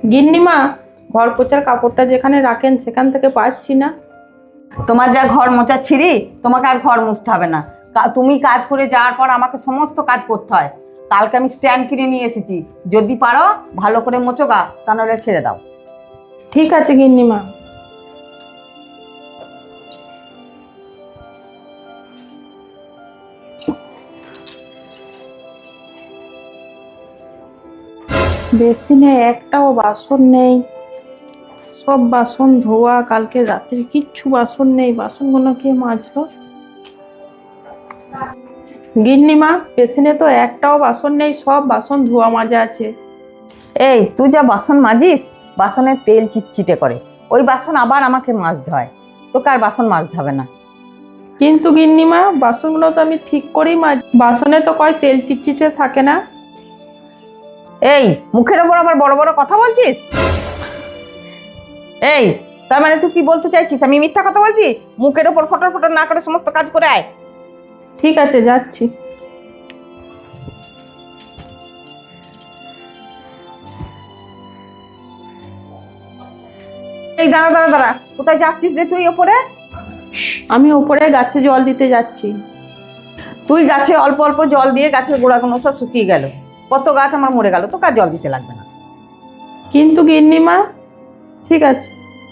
গিন্নিমা, ঘর পোছার কাপড়টা যেখানে রাখেন সেখান থেকে পাচ্ছি না। তোমার যা ঘর মোছার ছিঁড়ি, তোমাকে আর ঘর মুছতে হবে না। তুমি কাজ করে যাওয়ার পর আমাকে সমস্ত কাজ করতে হয়। কালকে আমি স্ট্যান্ড কিনে নিয়ে এসেছি, যদি পারো ভালো করে মোছো গা, তা নাহলে ছেড়ে দাও। ঠিক আছে গিন্নিমা। বেসিনে একটাও বাসন নেই, সব বাসন ধোয়া। কালকে রাত্রে কিচ্ছু বাসন নেই, বাসনগুলো কে মাজলো? গিন্নিমা, বেসিনে তো একটাও বাসন নেই, সব বাসন ধোয়া মাজা আছে। এই তুই যা বাসন মাজিস, বাসনের তেল চিটচিটে করে, ওই বাসন আবার আমাকে মাজতে হয়। তোকে আর বাসন মাজতে হবে না। কিন্তু গিন্নিমা, বাসনগুলো তো আমি ঠিক করেই মাজি, বাসনে তো কয় তেল চিটচিটে থাকে না। এই মুখের ওপর আবার বড় বড় কথা বলছিস? এই, তার মানে তুই কি বলতে চাইছিস আমি মিথ্যা কথা বলছি? মুখের ওপর ফটর ফটর না করে সমস্ত কাজ করে আয়। ঠিক আছে, যাচ্ছি। এই দাঁড়া দাঁড়া দাঁড়া, কোথায় যাচ্ছিস রে তুই ওপরে? আমি উপরে গাছে জল দিতে যাচ্ছি। তুই গাছে অল্প অল্প জল দিয়ে গাছের গোড়াগুলো সব শুকিয়ে গেল, কত গাছ আমার মরে গেল, তোকে আর জল দিতে লাগবে না। কিন্তু গিন্নিমা, ঠিক আছে।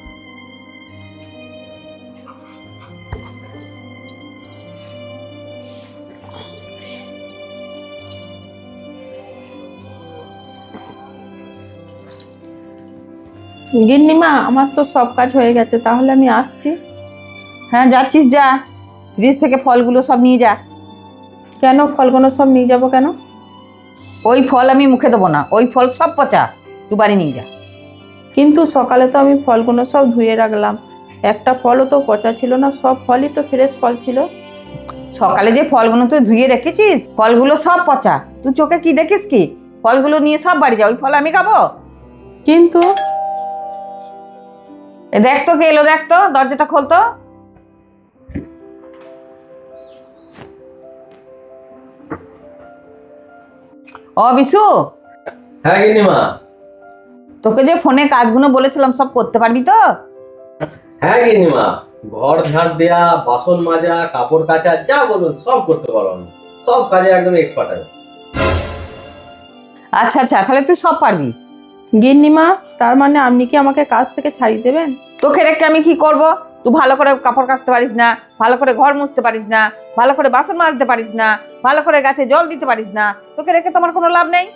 গিন্নিমা, আমার তো সব কাজ হয়ে গেছে, তাহলে আমি আসছি। হ্যাঁ যাচ্ছিস যা, ফ্রিজ থেকে ফলগুলো সব নিয়ে যা। কেন ফলগুলো সব নিয়ে যাবো কেন? ওই ফল আমি মুখে দেবো না, ওই ফল সব পচা, তুই বাড়ি নিয়ে যা। কিন্তু সকালে তো আমি ফলগুলো সব ধুয়ে রাখলাম, একটা ফলও তো পচা ছিল না, সব ফলই তো ফ্রেশ ফল ছিল। সকালে যে ফলগুলো তুই ধুয়ে রেখেছিস, ফলগুলো সব পচা, তুই চোখে কি দেখিস কি? ফলগুলো নিয়ে সব বাড়ি যা, ওই ফল আমি খাবো? কিন্তু এ দেখ তো কে এলো, দেখ তো, দরজাটা খোলতো। ও বিশু, হ্যাঁ গিন্নিমা। তোকে যে ফোনে কাজগুলো বলেছিলাম সব করতে পারবি তো? হ্যাঁ গিন্নিমা, ঘর ঝাড় দেয়া, বাসন মাজা, কাপড় কাচা, যা বলুন সব করতে পারো আমি। সব কাজে একদম এক্সপার্ট আমি। আচ্ছা আচ্ছা, তাহলে তুই সব পারবি। গিন্নিমা, তার মানে আপনি কি আমাকে কাজ থেকে ছাড়িয়ে দেবেন? তোকে রেখে আমি কি করব? তুই ভালো করে কাপড় কাচতে পারিস না, ভালো করে ঘর মুছতে পারিস না, ভালো করে বাসন মাজতে পারিস না, ভালো করে গাছে জল দিতে পারিস না, তোকে রেখে তোমার কোনো লাভ নেই।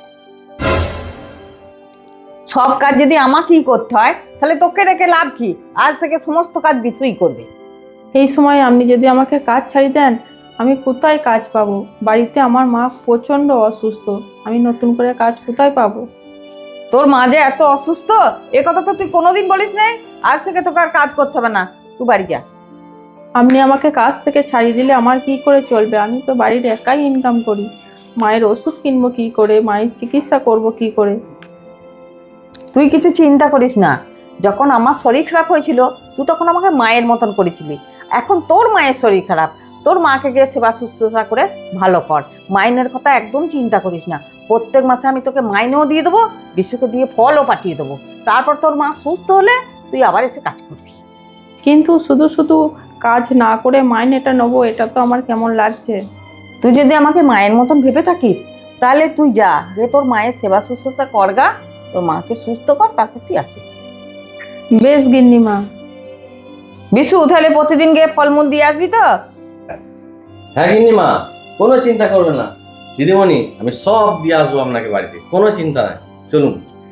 সব কাজ যদি আমাকেই করতে হয়, তাহলে তোকে রেখে লাভ কি? আজ থেকে সমস্ত কাজ বিশুই করবে। এই সময় আপনি যদি আমাকে কাজ ছাড়িয়ে দেন, আমি কোথায় কাজ পাবো? বাড়িতে আমার মা প্রচন্ড অসুস্থ, আমি নতুন করে কাজ কোথায় পাবো? তোর মা যে এত অসুস্থ, এ কথা তো তুই কোনোদিন বলিস নাই। আজ থেকে তোকে আর কাজ করতে হবে না, তুই বাড়ি যা। আপনি আমাকে কাজ থেকে ছাড়িয়ে দিলে আমার কি করে চলবে? আমি তো বাড়ির একাই ইনকাম করি, মায়ের ওষুধ কিনবো কি করে, মায়ের চিকিৎসা করব কি করে? তুই কিছু চিন্তা করিস না। যখন আমার শরীর খারাপ হয়েছিল, তুই তখন আমাকে মায়ের মতন করেছিলি। এখন তোর মায়ের শরীর খারাপ, তোর মাকে গিয়ে সেবা শুশ্রূষা করে ভালো কর। মাইনের কথা একদম চিন্তা করিস না। প্রত্যেক মাসে আমি তোকে মাইনেও দিয়ে দেবো, বিশুকে দিয়ে ফলও পাঠিয়ে দেবো। তারপর তোর মা সুস্থ হলে তুই আবার এসে কাজ করবি। কিন্তু শুধু শুধু কাজ না করে মাইনেটা নেবো, এটা তো আমার কেমন লাগছে। তুই যদি আমাকে মায়ের মতন ভেবে থাকিস, তাহলে তুই যা, যে তোর মায়ের সেবা শুশ্রূষা করগা, তোর মাকে সুস্থ কর, তারপর তুই আসিস। বেশ গিন্নিমা। বিশু, তাহলে প্রতিদিন গিয়ে ফলমূল দিয়ে আসবি তো? হ্যাঁ গিন্নিমা, কোনো চিন্তা করবে না দিদিমণি, আমি সব দিয়ে আসবো আপনাকে বাড়িতে, কোনো চিন্তা নাই। চলুন।